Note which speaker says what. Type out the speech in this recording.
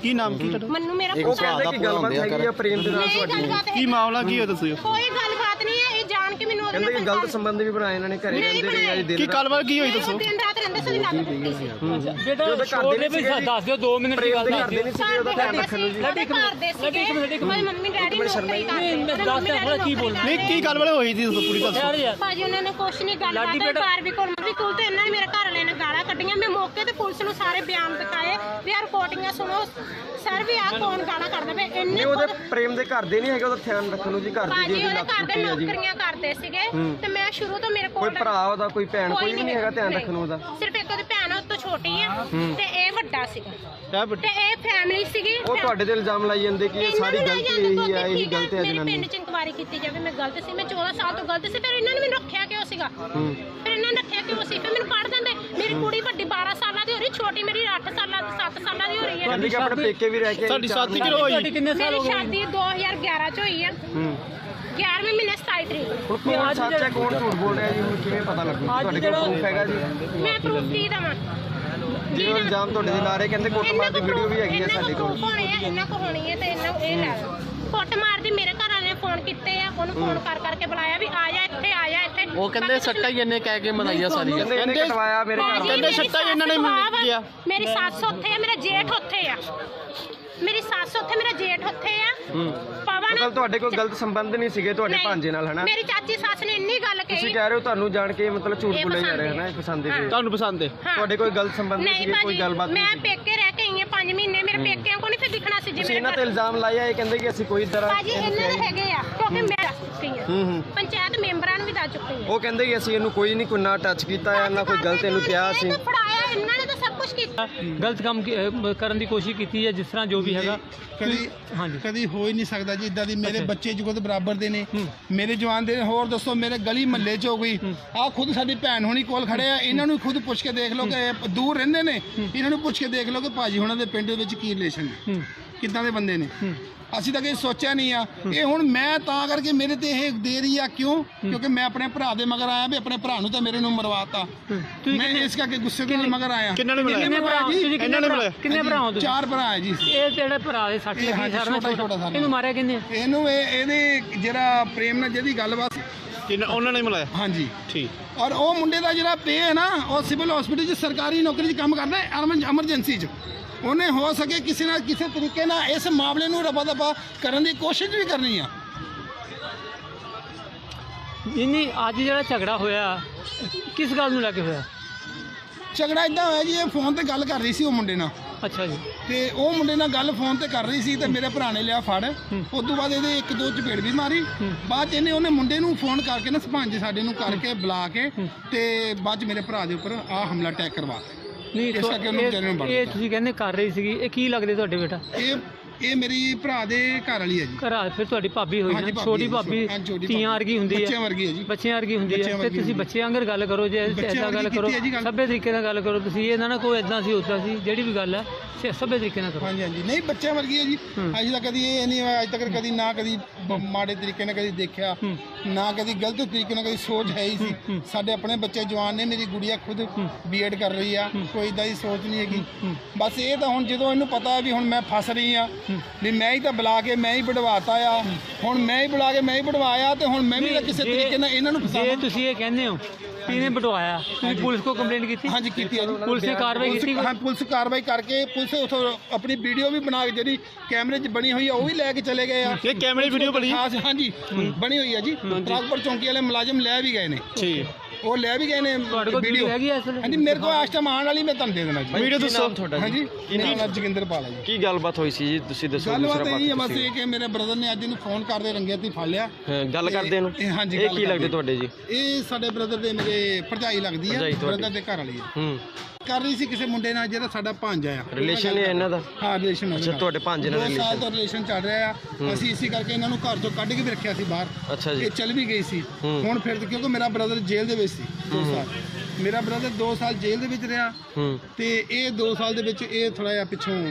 Speaker 1: ਕੀ ਨਾਮ ਕੀ ਤੁਹਾਡਾ?
Speaker 2: ਮੰਨੂ ਮੇਰਾ
Speaker 3: ਉਹ ਕਹਿੰਦੇ ਕਿ ਗੱਲਬਾਤ ਹੈਗੀ ਆ ਪ੍ਰੇਮ ਦੇ ਨਾਲ ਤੁਹਾਡੀ।
Speaker 1: ਕੀ ਮਾਮਲਾ ਕੀ ਹੈ ਦੱਸੋ?
Speaker 2: ਕੋਈ ਗੱਲਬਾਤ ਨਹੀਂ ਹੈ, ਇਹ ਜਾਣ ਕੇ ਮੈਨੂੰ
Speaker 3: ਕਹਿੰਦੇ ਕਿ ਗਲਤ ਸੰਬੰਧ ਵੀ ਬਣਾਏ ਇਹਨਾਂ ਨੇ, ਘਰੇ ਰਹਿੰਦੇ ਰਹੇ ਆ ਦਿਨ
Speaker 1: ਕੀ ਗੱਲਬਾਤ ਕੀ ਹੋਈ ਦੱਸੋ?
Speaker 2: ਦਿਨ ਰਾਤ ਰਹਿੰਦੇ ਸੀ, ਲੱਗ ਪਈ ਸੀ।
Speaker 4: ਬੇਟਾ ਛੋੜ ਦੇ ਵੀ ਦੱਸ ਦਿਓ 2 ਮਿੰਟ ਦੀ ਗੱਲ
Speaker 3: ਕਰਦੇ ਨਹੀਂ ਸੀਗੇ ਉਹਦਾ ਧਿਆਨ ਰੱਖਣ ਨੂੰ ਜੀ।
Speaker 2: ਸਾਡੇ ਘਰ ਦੇ ਸੀਗੇ, ਮੇਰੀ ਮੰਮੀ ਡੈਡੀ ਨੌਕਰੀ ਕਰਦੇ।
Speaker 4: ਕੀ ਬੋਲ
Speaker 1: ਨਹੀਂ ਕੀ ਗੱਲਬਾਤ ਹੋਈ ਸੀ ਦੱਸੋ ਪੂਰੀ ਦੱਸੋ।
Speaker 2: ਭਾਜੀ ਉਹਨਾਂ ਨੇ ਕੁਛ ਨਹੀਂ ਗੱਲਬਾਤ ਬਾਰ ਵੀ ਕੋਲ ਤੇ ਇਹਨਾਂ ਨੇ ਮੇਰੇ ਘਰ ਵਾਲੇ ਨੇ ਗਾਲਾਂ ਕੱਢੀਆਂ। ਮੈਂ ਮੌਕੇ ਤੇ ਪੁਲਿਸ ਨੂੰ ਸਾਰੇ ਬਿਆਨ ਦਿਖਾਏ ਵੀ ਆ ਰਿਕਾਰਡਿੰਗਾਂ ਸੁਣੋ ਸਰ ਵੀ ਆ ਕੌਣ ਗਾਲਾਂ ਕੱਢਦਾ ਵੇ ਇੰਨੇ।
Speaker 3: ਉਹਦੇ ਪ੍ਰੇਮ ਦੇ ਘਰ ਦੇ ਨਹੀਂ ਹੈਗੇ ਉਹਦਾ ਧਿਆਨ ਰੱਖਣ ਨੂੰ ਜੀ, ਘਰ ਦੀ
Speaker 2: ਭਾਜੀ ਉਹਦੇ ਘਰ ਦੇ ਨੌਕਰੀਆਂ ਕਰਦੇ ਸੀਗੇ ਤੇ ਮੈਂ ਸ਼ੁਰੂ ਤੋਂ ਮੇਰੇ ਕੋਲ
Speaker 3: ਕੋਈ ਭਰਾ ਉਹਦਾ ਕੋਈ ਭੈਣ ਕੋਈ ਵੀ ਨਹੀਂ ਹੈਗਾ ਧਿਆਨ ਰੱਖਣ ਨੂੰ ਉਹਦਾ।
Speaker 2: ਸਿਰਫ ਇੱਕ ਉਹਦੀ ਭੈਣ ਉਹ ਤੋਂ ਛੋਟੀ ਆ ਤੇ ਇਹ ਵੱਡਾ ਸੀਗਾ
Speaker 1: ਇਹ
Speaker 2: ਤੇ ਇਹ ਫੈਮਿਲੀ ਸੀਗੀ।
Speaker 3: ਉਹ ਤੁਹਾਡੇ ਤੇ ਇਲਜ਼ਾਮ ਲਾਈ ਜਾਂਦੇ ਕਿ ਇਹ ਸਾਰੀ ਗਲਤੀ ਇਹੀ ਆ, ਇਹੀ ਗਲਤ ਹੈ
Speaker 2: ਮੇਰੇ
Speaker 3: ਜਨਾਨੀ।
Speaker 2: ਪਿੰਡ ਚ ਇਨਕੁਆਇਰੀ ਕੀਤੀ ਜਾਵੇ, ਮੈਂ ਗਲਤ ਸੀ, ਮੈਂ 14 ਸਾਲ ਤੋਂ ਗਲਤ ਸੀ। ਫਿਰ ਇਹਨਾਂ ਨੇ ਮੈਨੂੰ ਰੱਖਿਆ ਕਿਉਂ ਸੀਗਾ? ਫਿਰ ਇਹਨਾਂ ਨੇ ਰੱਖਿਆ ਕਿਉਂ ਸੀ? ਫਿਰ ਮੈਨੂੰ ਪੜ ਦਿੰਦੇ। ਮੇਰੀ ਕੁੜੀ ਵੱਡੀ 12 ਸਾਲਾਂ ਦੀ ਹੋ ਰਹੀ, ਛੋਟੀ ਮੇਰੀ 8 ਸਾਲਾਂ 7 ਸਾਲਾਂ ਦੀ ਹੋ ਰਹੀ ਹੈ।
Speaker 3: ਕਹਿੰਦੇ ਕਿ ਆਪਣੇ ਪੇਕੇ ਵੀ ਰਹਿ ਕੇ
Speaker 1: ਸਾਡੀ ਸ਼ਾਦੀ ਕਿਉਂ ਹੋਈ?
Speaker 4: ਕਿੰਨੇ ਸਾਲ ਹੋ
Speaker 2: ਮੇਰੀ
Speaker 4: ਗਏ?
Speaker 2: ਸ਼ਾਦੀ 2011 ਚ ਹੋਈ ਆ। 11ਵੇਂ ਮਹੀਨੇ 27 ਤਰੀਕ ਨੂੰ।
Speaker 3: ਹੁਣ ਕੌਣ ਸੱਚ ਹੈ ਕੌਣ ਝੂਠ ਬੋਲ ਰਿਹਾ ਜੀ, ਹੁਣ ਕਿਵੇਂ ਪਤਾ ਲੱਗੂ? ਤੁਹਾਡੇ ਕੋਲ ਪ੍ਰੂਫ ਹੈਗਾ ਜੀ?
Speaker 2: ਮੈਂ ਪ੍ਰੂਫ ਕੀ ਦਵਾਂ?
Speaker 3: ਜਿਹੜਾ ਇਲਜ਼ਾਮ ਤੁਹਾਡੇ ਤੇ ਲਾ ਰਹੇ, ਕਹਿੰਦੇ ਕੁੱਟਮਾਰ ਦੀ ਵੀਡੀਓ ਵੀ ਹੈਗੀ ਆ ਸਾਡੇ ਕੋਲ।
Speaker 2: ਇਹਨਾਂ ਕੋ ਹੋਣੀ ਹੈ ਤੇ ਇਹਨਾਂ ਇਹ ਲੈ ਲਓ। ਕੁੱਟਮਾਰ ਦੀ ਮੇਰੇ ਘਰ ਵਾਲੇ ਨੇ ਫੋਨ ਕੀਤੇ ਆ, ਉਹਨੂੰ ਫੋਨ ਕਰਕੇ ਬੁਲਾਇਆ ਵੀ ਆ ਜਾ ਇੱਥੇ, ਆ ਜਾ ਇੱਥੇ।
Speaker 1: ਉਹ ਕਹਿੰਦੇ ਸੱਟਾਂ ਹੀ ਇਹਨੇ ਕਹਿ ਕੇ ਮਨਾਈਆਂ ਸਾਰੀਆਂ।
Speaker 3: ਕਹਿੰਦੇ ਇਹਨੇ ਕਟਵਾਇਆ ਮੇਰੇ ਘਰ ਵਾਲੇ
Speaker 1: ਕਹਿੰਦੇ ਸੱਟਾਂ ਹੀ ਇਹਨਾਂ ਨੇ ਕਿਹਾ।
Speaker 2: ਮੇਰੀ ਸੱਸ ਉੱਥੇ ਆ, ਮੇਰਾ ਜੇਠ ਉੱਥੇ ਆ। ਮੇਰੀ ਸੱਸ ਉੱਥੇ, ਮੇਰਾ ਜੇਠ ਉੱਥੇ ਆ। ਪਵਨ
Speaker 3: ਮਤਲਬ ਤੁਹਾਡੇ ਕੋਈ ਗਲਤ ਸੰਬੰਧ ਨਹੀਂ ਸੀਗੇ ਤੁਹਾਡੇ ਭਾਂਜੇ ਨਾਲ, ਹਨਾ?
Speaker 2: ਮੇਰੀ ਚਾਚੀ ਸੱਸ ਨੇ ਇੰਨੀ ਗੱਲ ਕਹੀ।
Speaker 3: ਤੁਸੀਂ ਕਹਿ ਰਹੇ ਹੋ ਤੁਹਾਨੂੰ ਜਾਣ ਕੇ ਮਤਲਬ ਝੂਠ ਬੋਲੇ ਜਾ ਰਹੇ ਹਨਾ, ਪਸੰਦ ਹੈ
Speaker 1: ਤੁਹਾਨੂੰ ਪਸੰਦ ਹੈ?
Speaker 3: ਤੁਹਾਡੇ ਕੋਈ ਗਲਤ ਸੰਬੰਧ ਨਹੀਂ ਸੀਗੇ, ਕੋਈ ਗੱਲਬਾਤ ਨਹੀਂ
Speaker 2: ਮੈਂ
Speaker 3: ਸੀ?
Speaker 2: ਪੇਕੇ ਰਹਿ ਕੇ ਆਈ ਆ 5 ਮਹੀਨੇ, ਮੇਰੇ ਪੇਕਿਆਂ ਕੋ ਨਹੀਂ ਫਿਰ ਦਿਖਣਾ ਸੀ।
Speaker 3: ਤੁਸੀਂ ਇਹਨਾਂ ਤੇ ਇਲਜ਼ਾਮ ਲਾਇਆ, ਇਹ ਕਹਿੰਦੇ ਕਿ ਅਸੀਂ ਕੋਈ ਤਰ੍ਹਾਂ
Speaker 2: ਭਾਜੀ ਇਹਨਾਂ ਦੇ ਹੈਗੇ ਆ, ਕਿਉਂਕਿ ਮੈਂ ਦੱਸ ਚੁੱਕੀ ਆ। ਪੰਚਾਇਤ ਮੈਂਬਰਾਂ ਨੂੰ ਵੀ ਦੱਸ ਚੁੱਕੀ ਆ।
Speaker 3: ਉਹ ਕਹਿੰਦੇ ਕਿ ਅਸੀਂ ਇਹਨੂੰ ਕੋਈ ਨਹੀਂ, ਕੋਈ ਨਾ ਟੱਚ ਕੀਤਾ ਹੈ, ਨਾ ਕੋਈ ਗਲਤ ਇਹਨੂੰ ਕਿਹਾ ਸੀ।
Speaker 2: ਫੜਾਇਆ ਇਹਨਾਂ ਨੇ ਤਾਂ ਸਭ ਕੁਝ ਕੀਤਾ।
Speaker 4: ਗਲਤ ਕੰਮ ਕਰਨ ਦੀ ਕੋਸ਼ਿਸ਼ ਕੀਤੀ ਹੈ, ਜਿਸ ਤਰ੍ਹਾਂ ਜੋ ਵੀ ਹੈਗਾ।
Speaker 5: ਕਦੀ ਹੋ ਹੀ ਨਹੀਂ ਸਕਦਾ ਜੀ ਇਦਾਂ ਦੀ। ਮੇਰੇ ਬੱਚੇ ਜੁਗਤ ਬਰਾਬਰ ਦੇ ਨੇ, ਮੇਰੇ ਜਵਾਨ ਦੇ ਨੇ। ਹੋਰ ਦੱਸੋ ਮੇਰੇ ਗਲੀ ਮਹੱਲੇ 'ਚ ਹੋ ਗਈ ਆ, ਖੁਦ ਸਾਡੀ ਭੈਣ ਹੋਣੀ ਕੋਲ ਖੜੇ ਆ, ਇਹਨਾਂ ਨੂੰ ਖੁਦ ਪੁੱਛ ਕੇ ਦੇਖ ਲਓ ਕਿ ਦੂਰ ਰਹਿੰਦੇ ਨੇ, ਇਹਨਾਂ ਨੂੰ ਪੁੱਛ ਕੇ ਦੇਖ ਲਓ ਕਿ ਭਾਜੀ ਹੁਣਾਂ ਦੇ ਪਿੰਡ ਦੇ ਵਿੱਚ ਕੀ ਰਿਲੇਸ਼ਨ ਹੈ, ਕਿੱਦਾਂ ਦੇ ਬੰਦੇ ਨੇ। ਅਸੀਂ ਤਾਂ ਕਦੇ ਸੋਚਿਆ ਨਹੀਂ ਆ। ਇਹ ਹੁਣ ਮੈਂ ਤਾਂ ਕਰਕੇ ਮੇਰੇ ਤੇ ਇਹ ਦੇ ਰਹੀ ਆ, ਕਿਉਂ? ਕਿਉਂਕਿ ਮੈਂ ਆਪਣੇ ਭਰਾ ਦੇ ਮਗਰ ਆਇਆ ਵੀ ਆਪਣੇ ਭਰਾ ਨੂੰ ਤਾਂ ਮੇਰੇ ਨੂੰ ਮਰਵਾਤਾ। ਮੈਂ ਇਸ ਕਰਕੇ ਗੁੱਸੇ ਦੇ ਨਾਲ ਮਗਰ ਆਇਆ।
Speaker 1: ਕਿੰਨਾਂ ਨੇ ਬੁਲਾਇਆ?
Speaker 4: ਕਿੰਨੇ ਭਰਾ
Speaker 1: ਇਹਨਾਂ ਨੇ ਬੁਲਾਇਆ?
Speaker 4: ਕਿੰਨੇ ਭਰਾ ਹੋ ਤੁਸੀਂ?
Speaker 5: 4 ਭਰਾ ਹੈ ਜੀ।
Speaker 4: ਇਹ ਜਿਹੜੇ ਭਰਾ ਦੇ 60 ਲੱਗੀ
Speaker 5: ਛੋਟਾ ਸਾਰਾ।
Speaker 4: ਇਹਨੂੰ ਮਾਰਿਆ ਕਿੰਨੇ?
Speaker 5: ਇਹਨੂੰ ਇਹਦੇ ਜਿਹੜਾ ਪ੍ਰੇਮ ਨਾਲ ਜਿਹਦੀ ਗੱਲਬਾਤ,
Speaker 1: ਉਹਨਾਂ ਨੇ ਬੁਲਾਇਆ?
Speaker 5: ਹਾਂਜੀ
Speaker 1: ਠੀਕ।
Speaker 5: ਔਰ ਉਹ ਮੁੰਡੇ ਦਾ ਜਿਹੜਾ ਪੇ ਹੈ ਨਾ, ਉਹ ਸਿਵਲ ਹਸਪੀਟਲ 'ਚ ਸਰਕਾਰੀ ਨੌਕਰੀ 'ਚ ਕੰਮ ਕਰਦਾ ਹੈ, ਐਮਰਜੈਂਸੀ 'ਚ। ਉਹਨੇ ਹੋ ਸਕੇ ਕਿਸੇ ਨਾਲ ਕਿਸੇ ਤਰੀਕੇ ਨਾਲ ਇਸ ਮਾਮਲੇ ਨੂੰ ਰਫਾ ਦਫਾ ਕਰਨ ਦੀ ਕੋਸ਼ਿਸ਼ ਵੀ ਕਰਨੀ ਆ।
Speaker 4: ਨਹੀਂ ਅੱਜ ਜਿਹੜਾ ਝਗੜਾ ਹੋਇਆ ਕਿਸ ਗੱਲ ਨੂੰ ਲੈ ਕੇ ਹੋਇਆ?
Speaker 5: ਝਗੜਾ ਇਦਾਂ ਹੋਇਆ ਜੀ, ਇਹ ਫੋਨ ਤੇ ਗੱਲ ਕਰ ਰਹੀ ਸੀ ਉਹ ਮੁੰਡੇ ਨਾਲ।
Speaker 4: ਅੱਛਾ ਜੀ।
Speaker 5: ਤੇ ਉਹ ਮੁੰਡੇ ਨਾਲ ਗੱਲ ਫੋਨ ਤੇ ਕਰ ਰਹੀ ਸੀ ਤੇ ਮੇਰੇ ਭਰਾ ਨੇ ਲਿਆ ਫੜ। ਉਸ ਤੋਂ ਬਾਅਦ ਇਹਦੇ 1-2 ਚਪੇੜ ਵੀ ਮਾਰੀ। ਬਾਅਦ 'ਚ ਉਹਨੇ ਮੁੰਡੇ ਨੂੰ ਫੋਨ ਕਰਕੇ ਨਾ ਸਰਪੰਚ ਸਾਡੇ ਨੂੰ ਕਰਕੇ ਬੁਲਾ ਕੇ ਤੇ ਬਾਅਦ 'ਚ ਮੇਰੇ ਭਰਾ ਦੇ ਉੱਪਰ ਆਹ ਹਮਲਾ ਅਟੈਕ ਕਰਵਾਤਾ।
Speaker 4: ਨਹੀਂ
Speaker 5: ਇਸ ਕਰਕੇ ਉਹਨੂੰ ਵਿਚਾਰੇ ਨੂੰ
Speaker 4: ਇਹ ਤੁਸੀਂ ਕਹਿੰਦੇ ਕਰ ਰਹੀ ਸੀਗੀ, ਇਹ ਕੀ ਲੱਗਦੇ ਤੁਹਾਡੇ ਬੇਟਾ?
Speaker 5: ਇਹ ਮੇਰੀ ਭਰਾ ਦੇ ਘਰ ਵਾਲੀ ਹੈ ਜੀ।
Speaker 4: ਘਰ ਫਿਰ ਤੁਹਾਡੀ ਭਾਬੀ ਹੋਈ ਨਾ,
Speaker 5: ਹਾਂਜੀ,
Speaker 4: ਛੋਟੀ
Speaker 5: ਭਾਬੀ,
Speaker 4: ਭਾਬੀ ਧੀਆਂ ਵਰਗੀ ਹੁੰਦੀ ਹੈ,
Speaker 5: ਬੱਚਿਆਂ ਵਰਗੀ ਹੈ ਜੀ।
Speaker 4: ਬੱਚਿਆਂ ਵਰਗੀ ਹੁੰਦੀ ਹੈ। ਤੇ ਤੁਸੀਂ ਬੱਚਿਆਂ ਵਾਂਗਰ ਗੱਲ ਕਰੋ, ਜੇ ਐਦਾਂ ਗੱਲ ਕਰੋ, ਸਭੇ ਤਰੀਕੇ ਨਾਲ ਗੱਲ ਕਰੋ। ਤੁਸੀਂ ਇਹ ਨਾ ਕੋਈ ਐਦਾਂ ਸੀ ਉੱਦਾਂ ਸੀ, ਜਿਹੜੀ ਵੀ ਗੱਲ ਹੈ ਸਭੇ ਤਰੀਕੇ ਨਾਲ ਕਰੋ।
Speaker 5: ਹਾਂਜੀ ਨਹੀਂ ਬੱਚਿਆਂ ਵਰਗੀ ਹੈ ਜੀ। ਅੱਜ ਤੱਕ ਕਦੀ ਇਹ ਨਹੀਂ ਹੋਇਆ, ਅੱਜ ਤੱਕ ਕਦੀ ਨਾ ਕਦੀ ਮਾੜੇ ਤਰੀਕੇ ਨਾਲ ਕਦੀ ਦੇਖਿਆ, ਨਾ ਕਦੀ ਗਲਤ ਤਰੀਕੇ ਨਾਲ ਕਦੀ ਸੋਚ ਹੈ ਹੀ ਸੀ। ਸਾਡੇ ਆਪਣੇ ਬੱਚੇ ਜਵਾਨ ਨੇ, ਮੇਰੀ ਗੁੜੀਆ ਖੁਦ B.Ed ਕਰ ਰਹੀ ਆ, ਕੋਈ ਇਦਾਂ ਦੀ ਸੋਚ ਨਹੀਂ ਹੈਗੀ। ਬਸ ਇਹ ਤਾਂ ਹੁਣ ਜਦੋਂ ਇਹਨੂੰ ਪਤਾ ਵੀ ਹੁਣ ਮੈਂ ਫਸ ਰਹੀ ਆ, ਵੀ ਮੈਂ ਹੀ ਤਾਂ ਬੁਲਾ ਕੇ ਮੈਂ ਹੀ ਵਡਵਾਤਾ ਆ, ਹੁਣ ਮੈਂ ਹੀ ਬੁਲਾ ਕੇ ਮੈਂ ਹੀ ਵਡਵਾਇਆ, ਤੇ ਹੁਣ ਮੈਂ ਵੀ ਕਿਸੇ ਤਰੀਕੇ ਨਾਲ ਇਹਨਾਂ ਨੂੰ ਫਸਾਵਾਂ।
Speaker 4: ਜੇ ਤੁਸੀਂ ਇਹ ਕਹਿੰਦੇ ਹੋ ਕਿਹਨੇ ਵਡਵਾਇਆ, ਤੁਸੀਂ ਪੁਲਿਸ ਕੋ ਕੰਪਲੇਂਟ ਕੀਤੀ?
Speaker 5: ਹਾਂਜੀ ਕੀਤੀ ਹੈ ਜੀ।
Speaker 4: ਪੁਲਿਸ ਨੇ ਕਾਰਵਾਈ ਕੀਤੀ?
Speaker 5: ਹਾਂ ਪੁਲਿਸ ਕਾਰਵਾਈ ਕਰਕੇ ਪੁਲਿਸ ਉਥੋਂ ਆਪਣੀ ਵੀਡੀਓ ਵੀ ਬਣਾ ਕੇ ਜਿਹੜੀ ਕੈਮਰੇ 'ਚ ਬਣੀ ਹੋਈ ਆ ਉਹ ਵੀ ਲੈ ਕੇ ਚਲੇ ਗਏ ਆ।
Speaker 1: ਇਹ ਕੈਮਰੇ ਵੀਡੀਓ ਬਣੀ?
Speaker 5: ਹਾਂਜੀ ਬਣੀ ਹੋਈ ਆ ਜੀ। ਟਰੱਕਪੁਰ ਚੌਂਕੀ ਵਾਲੇ ਮੁਲਾਜ਼ਮ ਲੈ ਵੀ ਗਏ ਨੇ।
Speaker 1: ਠੀਕ।
Speaker 5: ਉਹ ਲੈ ਵੀ ਗਏ ਨੇ ਵੀਡੀਓ। ਹਾਂਜੀ ਮੇਰੇ ਕੋਲ ਇਸ ਟਾਈਮ ਆਉਣ ਵਾਲੀ, ਮੈਂ ਤੁਹਾਨੂੰ ਦੇ ਦੇਣਾ ਜੀ
Speaker 1: ਵੀਡੀਓ। ਦੱਸੋ
Speaker 3: ਤੁਹਾਡਾ
Speaker 5: ਹਾਂਜੀ। ਕੀ ਨਾਮ? ਜੋਗਿੰਦਰ ਪਾਲ ਜੀ।
Speaker 3: ਕੀ ਗੱਲਬਾਤ ਹੋਈ ਸੀ ਜੀ, ਤੁਸੀਂ ਦੱਸੋ?
Speaker 5: ਗੱਲਬਾਤ ਇਹ ਹੈ ਬਸ ਇਹ ਕਿ ਮੇਰੇ ਬ੍ਰਦਰ ਨੇ ਅੱਜ ਇਹਨੂੰ ਫੋਨ ਕਰਦੇ ਰੰਗੇ ਹੱਥੀਂ ਫੜ ਲਿਆ।
Speaker 3: ਗੱਲ ਕਰਦੇ ਨੂੰ?
Speaker 5: ਹਾਂਜੀ।
Speaker 3: ਇਹ ਕੀ ਲੱਗਦੇ ਤੁਹਾਡੇ ਜੀ?
Speaker 5: ਇਹ ਸਾਡੇ ਬ੍ਰਦਰ ਦੇ ਮੇਰੇ ਭਰਜਾਈ ਲੱਗਦੀ ਆ, ਬ੍ਰਦਰ ਦੇ ਘਰ ਵਾਲੀ ਆ। ਕਰ ਰਹੀ ਸੀ ਕਿਸੇ ਮੁੰਡੇ ਨਾਲ ਜਿਹੜਾ ਸਾਡਾ ਭਾਂਜਾ ਆ।
Speaker 3: ਰਿਲੇਸ਼ਨ ਹੈ ਇਹਨਾਂ ਦਾ?
Speaker 5: ਹਾਂ ਰਿਲੇਸ਼ਨ।
Speaker 3: ਅੱਛਾ ਤੁਹਾਡੇ ਭਾਂਜੇ ਨਾਲ
Speaker 5: 2 ਸਾਲ ਤੋਂ ਰਿਲੇਸ਼ਨ ਚੱਲ ਰਿਹਾ ਆ। ਅਸੀਂ ਇਸੇ ਕਰਕੇ ਇਹਨਾਂ ਨੂੰ ਘਰ ਤੋਂ ਕੱਢ ਕੇ ਵੀ ਰੱਖਿਆ ਸੀ ਬਾਹਰ।
Speaker 3: ਅੱਛਾ ਜੀ।
Speaker 5: ਇਹ ਚੱਲ ਵੀ ਗਈ ਸੀ। ਹੁਣ ਫਿਰ ਕਿਉਂਕਿ ਮੇਰਾ ਬ੍ਰਦਰ ਜੇਲ੍ਹ ਦੇ ਵਿੱਚ ਸੀ 2 ਸਾਲ। ਮੇਰਾ ਬ੍ਰਦਰ 2 ਸਾਲ ਜੇਲ੍ਹ ਦੇ ਵਿੱਚ ਰਿਹਾ ਤੇ ਇਹ 2 ਸਾਲ ਦੇ ਵਿੱਚ ਇਹ ਥੋੜਾ ਜਿਹਾ ਪਿੱਛੋਂ